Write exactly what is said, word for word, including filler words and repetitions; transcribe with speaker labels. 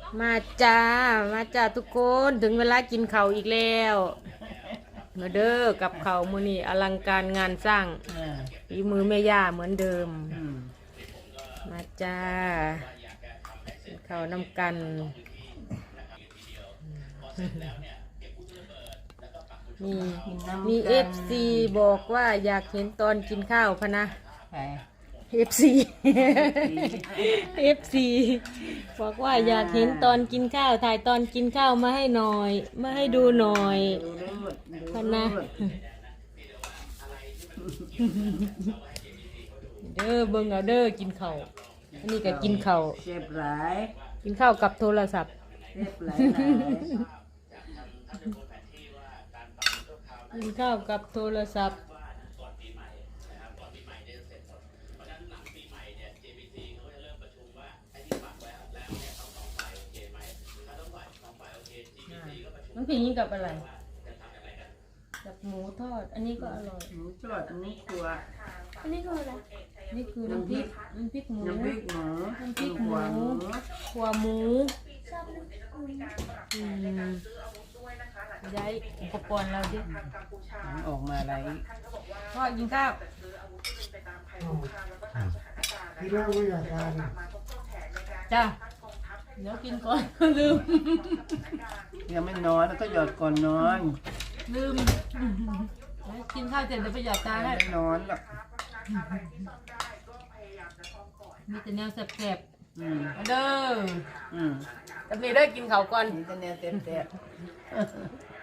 Speaker 1: มาจ้ามาจ้าทุกคนถึงเวลากินข้าวอีกแล้วมาเด้อกับข้าวมื้อนี้อลังการงานสร้างฝีมือแม่ย่าเหมือนเดิมมาจ้ากินข้าวน้ำกันมีมีเอฟซีบอกว่าอยากเห็นตอนกินข้าวพะนะเอฟซีเอฟซีบอกว่าอยากเห็นตอนกินข้าวถ่ายตอนกินข้าวมาให้หน่อยมาให้ดูหน่อยพะนะเด้อเบิ่งเอาเด้อกินข้าวอันนี้ก็กินข้าว
Speaker 2: เจ็บหลาย
Speaker 1: กินข้าวกับโทรศัพท์
Speaker 2: เจ็บหลาย
Speaker 1: กินข้าวกับโทรศัพท์น้ำพริกนี้กับอะไรกับหมูทอดอันนี้ก็อร่อย
Speaker 2: หมูทอดอันนี้ครัว
Speaker 1: อันนี้คืออะไรนี่คือน้ำพริกน้ำพริกหมู
Speaker 2: น้ำพริกหมู
Speaker 1: น้ำพริกหมูขัวหมูอืมย้ายอุปกรณ์เราดิ
Speaker 2: มันออกมาอะไร
Speaker 1: พ่อกินข้าว
Speaker 3: พี่เล่าไม่อยากทาน
Speaker 1: จ้าเดี๋ยวกินก่อนลืม
Speaker 2: ยังไม่นอนแล้วก็หยอดก่อนนอน
Speaker 1: ลืมกินข้าวเสร็จเดี๋ยวไปหยอดตาให้
Speaker 2: ไม่นอนหรอก
Speaker 1: มีแต่แนวแสบ
Speaker 2: อืม
Speaker 1: ๆมาเด้อ
Speaker 2: อืม
Speaker 1: กับนี่ได้กินข้าวก่อน
Speaker 2: นี่จะแนวเต็มๆ